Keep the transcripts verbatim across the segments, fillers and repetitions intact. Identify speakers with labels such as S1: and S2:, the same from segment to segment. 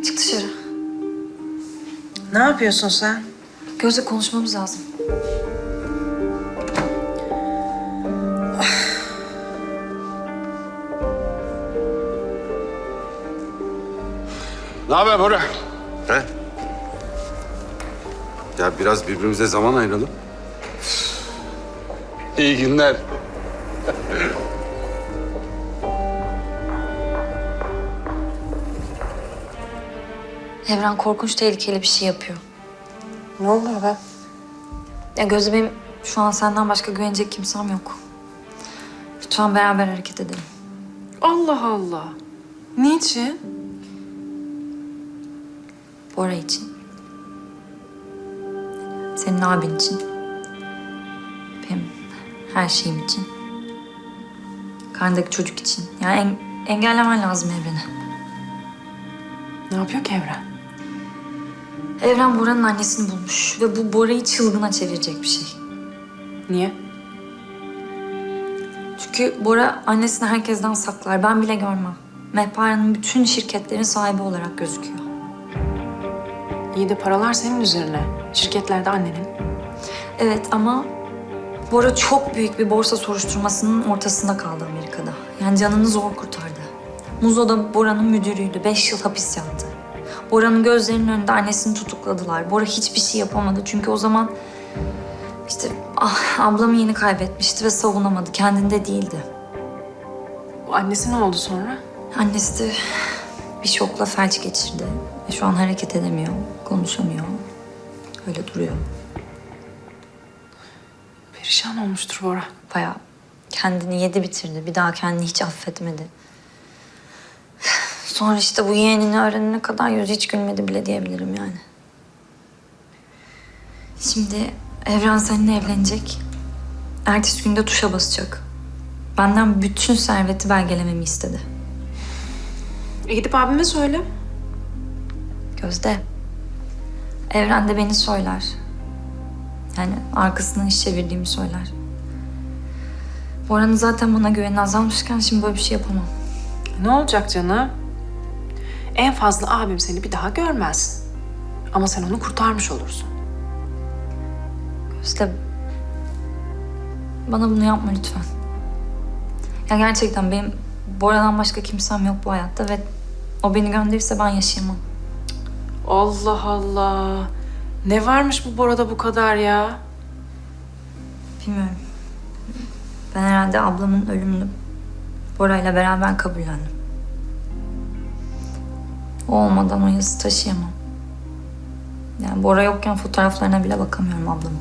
S1: Çık dışarı.
S2: Ne yapıyorsun sen?
S1: Gözle konuşmamız lazım.
S3: Ne haber Bora?
S4: He? Ya biraz birbirimize zaman ayıralım.
S3: İyi günler.
S1: Evren korkunç tehlikeli bir şey yapıyor.
S2: Ne oluyor be?
S1: Ya Gözde, benim şu an senden başka güvenecek kimsem yok. Lütfen beraber hareket edelim.
S2: Allah Allah. Niçin?
S1: Bora için. Senin abin için. Benim her şeyim için. Karnındaki çocuk için. Yani en, engellemen lazım Evren'i.
S2: Ne yapıyor ki Evren?
S1: Evren Bora'nın annesini bulmuş ve bu Bora'yı çılgına çevirecek bir şey.
S2: Niye?
S1: Çünkü Bora annesini herkesten saklar. Ben bile görmem. Mehpare'nin bütün şirketlerin sahibi olarak gözüküyor.
S2: İyi de paralar senin üzerine. Şirketlerde annenin.
S1: Evet ama Bora çok büyük bir borsa soruşturmasının ortasında kaldı Amerika'da. Yani canını zor kurtardı. Muzo da Bora'nın müdürüydü. Beş yıl hapis yattı. Bora'nın gözlerinin önünde annesini tutukladılar. Bora hiçbir şey yapamadı. Çünkü o zaman işte ah, ablamı yeni kaybetmişti ve savunamadı. Kendinde değildi.
S2: Bu annesi ne oldu sonra?
S1: Annesi de bir şokla felç geçirdi. Ve şu an hareket edemiyor, konuşamıyor. Öyle duruyor.
S2: Perişan olmuştur Bora.
S1: Bayağı kendini yedi bitirdi. Bir daha kendini hiç affetmedi. Sonra işte bu yeğenini öğrenene kadar yüzü hiç gülmedi bile diyebilirim yani. Şimdi Evren seninle evlenecek. Ertesi günde tuşa basacak. Benden bütün serveti belgelememi istedi.
S2: E gidip abime söyle.
S1: Gözde. Evren de beni söyler. Yani arkasından iş çevirdiğimi söyler. Bora'nın zaten bana güveni azalmışken şimdi böyle bir şey yapamam.
S2: Ne olacak canım? En fazla abim seni bir daha görmez. Ama sen onu kurtarmış olursun.
S1: Gözde, bana bunu yapma lütfen. Ya gerçekten benim Bora'dan başka kimsem yok bu hayatta ve o beni gönderirse ben yaşayamam.
S2: Allah Allah. Ne varmış bu Bora'da bu kadar ya?
S1: Bilmiyorum. Ben herhalde ablamın ölümünü Bora'yla beraber kabullendim. O olmadan o yazı taşıyamam. Yani Bora yokken fotoğraflarına bile bakamıyorum ablamın.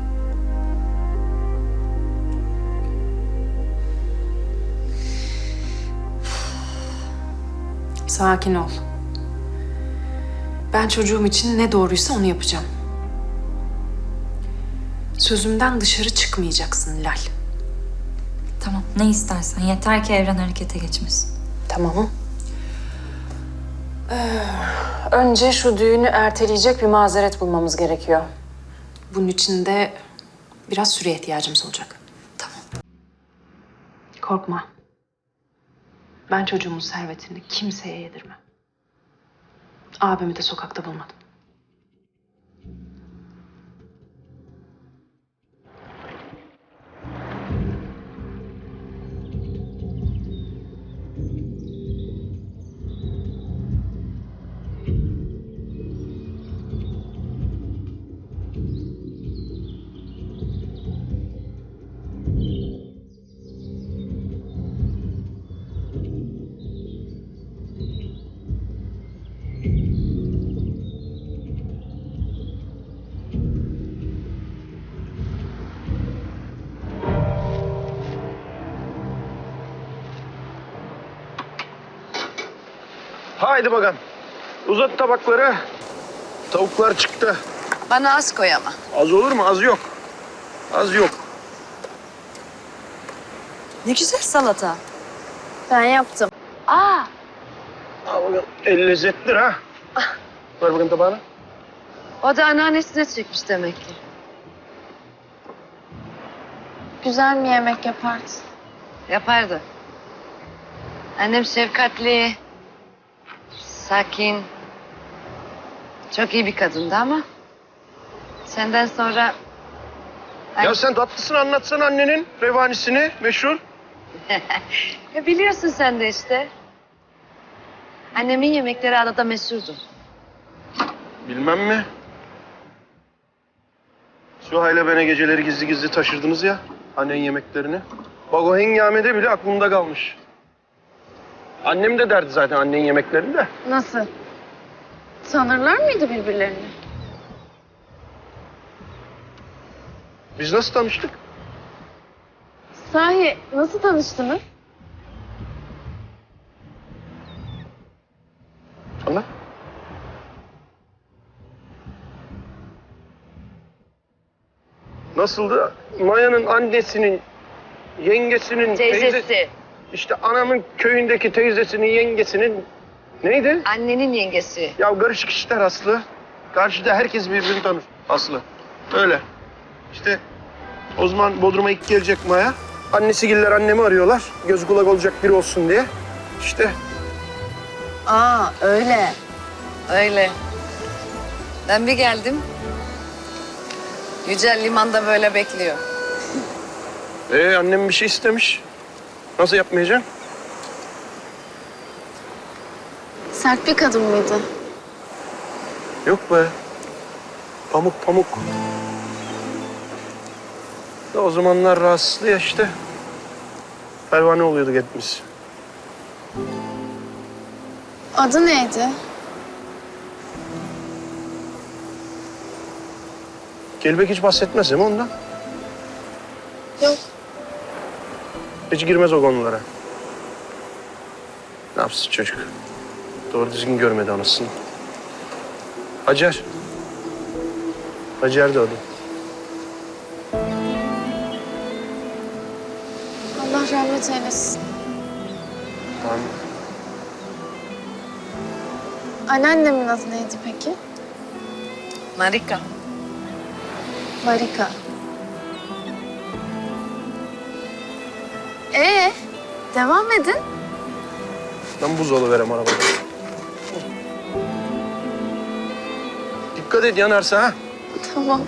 S2: Sakin ol. Ben çocuğum için ne doğruysa onu yapacağım. Sözümden dışarı çıkmayacaksın Lal.
S1: Tamam, ne istersen. Yeter ki Evren harekete geçmesin.
S2: Tamam. Ee, önce şu düğünü erteleyecek bir mazeret bulmamız gerekiyor. Bunun için de biraz süreye ihtiyacımız olacak.
S1: Tamam.
S2: Korkma. Ben çocuğumun servetini kimseye yedirmem. Abimi de sokakta bulmadım.
S5: Haydi bakalım. Uzat tabakları. Tavuklar çıktı.
S6: Bana az koy ama.
S5: Az olur mu? Az yok. Az yok.
S6: Ne güzel salata. Ben yaptım. Aa,
S5: Al bakalım. El lezzetlidir ha. Ver bakayım tabağını.
S6: o da anneannesine çekmiş demek ki. Güzel mi yemek yapardı? Yapardı. Annem şefkatli, sakin,
S3: Çok iyi bir kadındı ama senden sonra
S5: Ya sen tatlısını anlatsana annenin revanisini meşhur.
S3: ya biliyorsun sen de işte. Annemin yemekleri adada meşhurdu.
S5: Bilmem mi? Süha'yla bana geceleri gizli gizli taşırdınız ya annenin yemeklerini. Bak o hengamede bile aklımda kalmış. Annem de derdi zaten annenin yemeklerini de.
S6: Nasıl? Sanırlar mıydı birbirlerini?
S5: Biz nasıl tanıştık?
S6: Sahi nasıl tanıştınız?
S5: Anla. Nasıldı? Maya'nın annesinin, yengesinin,
S3: Teyzesi.
S5: teyze- işte anamın köyündeki teyzesinin, yengesinin neydi?
S3: Annenin yengesi.
S5: Ya karışık işler Aslı. Karşıda herkes birbirini tanır Aslı. Öyle. İşte o zaman Bodrum'a ilk gelecek Maya. Annesi giller annemi arıyorlar. Göz kulak olacak biri olsun diye. İşte
S6: Aa öyle.
S3: Öyle. Ben bir geldim. Yücel limanda böyle bekliyor.
S5: ee, annem bir şey istemiş. Nasıl yapmayacağım?
S6: Sert bir kadın mıydı?
S5: Yok be. Pamuk pamuk. Da o zamanlar rahatsızdı ya işte. Pervane oluyorduk hepimiz.
S6: Adı neydi?
S5: Kelebek hiç bahsetmez değil mi ondan?
S6: Yok.
S5: Hiç girmez o konulara. Ne yapsın çocuk? Doğru düzgün görmedi anasını. Hacer. Hacer de adı.
S6: Allah rahmet eylesin.
S5: Tamam.
S6: Anneannemin adı neydi peki?
S3: Marika.
S6: Marika. Ee, devam edin.
S5: Ben buzdolabı verem arabada. Dikkat et yanarsa ha.
S6: Tamam.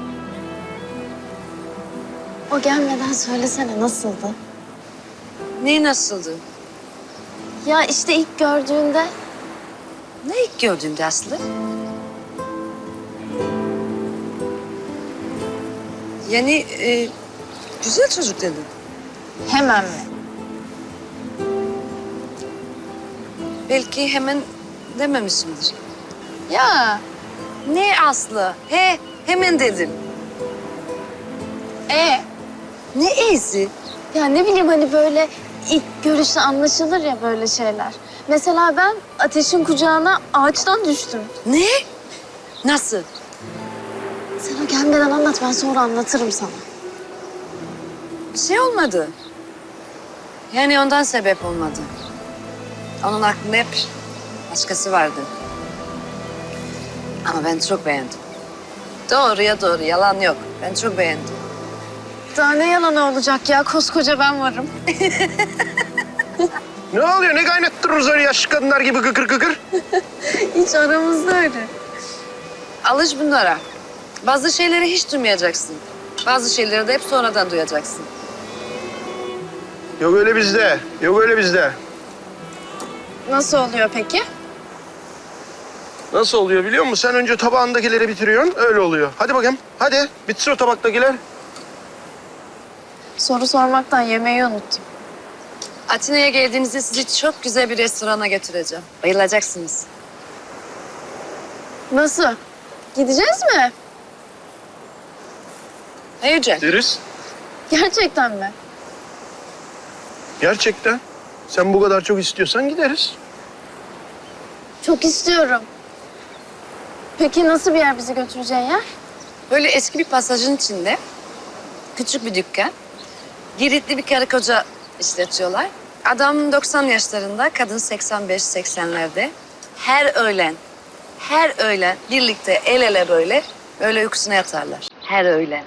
S6: O gelmeden söylesene nasıldı?
S3: Ne nasıldı?
S6: Ya işte ilk gördüğünde
S3: Ne ilk gördüğünde Aslı? Yani e, güzel çocuk dedin.
S6: hemen mi?
S3: Belki hemen dememişimdir.
S6: Ya
S3: Ne Aslı? He, hemen dedim.
S6: e
S3: Ne iyisi?
S6: ya ne bileyim hani böyle ilk görüşte anlaşılır ya böyle şeyler. Mesela ben Ateş'in kucağına ağaçtan düştüm.
S3: Ne? Nasıl?
S6: Sen o gelmeden anlat, ben sonra anlatırım sana.
S3: Bir şey olmadı. Yani ondan sebep olmadı. Onun aklında hep başkası vardı. Ama ben çok beğendim. Doğruya doğru, yalan yok. Ben çok beğendim.
S6: Daha ne yalanı olacak ya, koskoca ben varım.
S5: Ne oluyor? Ne kaynattırırız öyle yaşlı kadınlar gibi kıkır kıkır?
S6: Hiç aramızda öyle.
S3: Alış bunlara. Bazı şeyleri hiç duymayacaksın. Bazı şeyleri de hep sonradan duyacaksın.
S5: Yok öyle bizde. Yok öyle bizde.
S6: Nasıl oluyor peki?
S5: Nasıl oluyor biliyor musun? Sen önce tabağındakileri bitiriyorsun. Öyle oluyor. Hadi bakayım. Hadi. Bitsin o tabaktakiler.
S6: Soru sormaktan yemeği unuttum.
S3: Atina'ya geldiğinizde sizi çok güzel bir restorana götüreceğim. Bayılacaksınız.
S6: Nasıl? Gideceğiz mi?
S3: Ne Yücel?
S5: Deriz.
S6: Gerçekten mi?
S5: Gerçekten. Sen bu kadar çok istiyorsan gideriz.
S6: Çok istiyorum. Peki nasıl bir yer bizi götüreceğin yer?
S3: Böyle eski bir pasajın içinde küçük bir dükkan. Giritli bir karı koca işletiyorlar. Adam doksan yaşlarında, kadın seksen beş seksenlerde. Her öğlen, her öğlen birlikte el ele böyle, böyle uykusuna yatarlar. Her öğlen.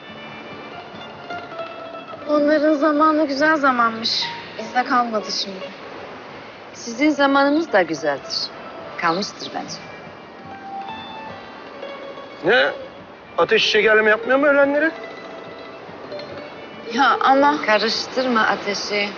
S6: Onların zamanı güzel zamanmış. Bizde kalmadı şimdi.
S3: Sizin zamanınız da güzeldir. Kalmıştır bence.
S5: Ne? Ateş şekerleme yapmıyor mu ölenleri?
S6: Ya ama
S3: Karıştırma ateşi.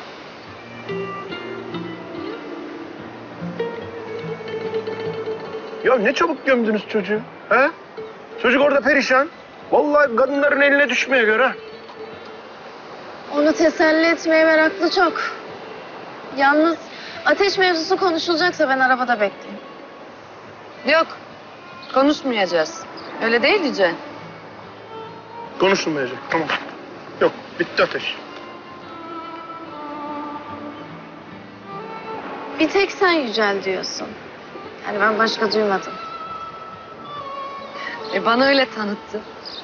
S5: Ya ne çabuk gömdünüz çocuğu. He? Çocuk orada perişan. Vallahi kadınların eline düşmeye göre.
S6: onu teselli etmeye meraklı çok. Yalnız ateş mevzusu konuşulacaksa ben arabada bekleyeyim.
S3: Yok, konuşmayacağız. Öyle değil Yüce.
S5: Konuşulmayacak. Tamam. Yok, bitti ateş.
S6: Bir tek sen Yücel diyorsun. Yani ben başka duymadım.
S3: E bana öyle tanıttı.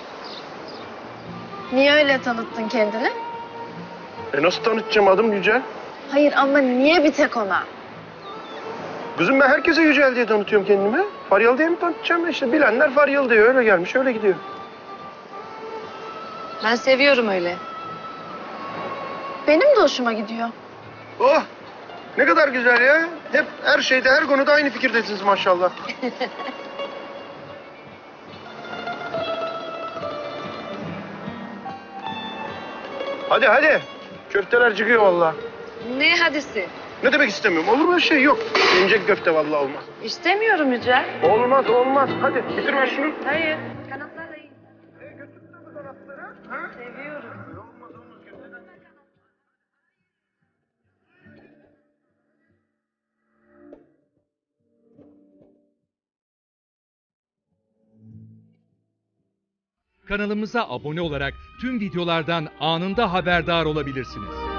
S6: Niye öyle tanıttın kendini?
S5: E nasıl tanıtacağım adım Yücel?
S6: Hayır ama niye bir tek ona?
S5: Kızım ben herkese Yücel diye tanıtıyorum kendimi. Faryalı diye mi tanıtacağım? İşte bilenler Faryalı diyor. Öyle gelmiş, öyle gidiyor.
S3: Ben seviyorum öyle.
S6: Benim de hoşuma gidiyor.
S5: Oh! Ne kadar güzel ya. Hep her şeyde, her konuda aynı fikirdesiniz maşallah. Hadi hadi. Köfteler çıkıyor vallahi.
S3: Ne hadisi?
S5: Ne demek istemiyorum? Olur mu öyle şey? Yok. Yenecek köfte vallahi olmaz.
S3: İstemiyorum Yüce.
S5: Olmaz, olmaz. Hadi bitir ver şunu.
S3: Hayır. Kanatlarla yiyin.
S7: Kanalımıza abone olarak tüm videolardan anında haberdar olabilirsiniz.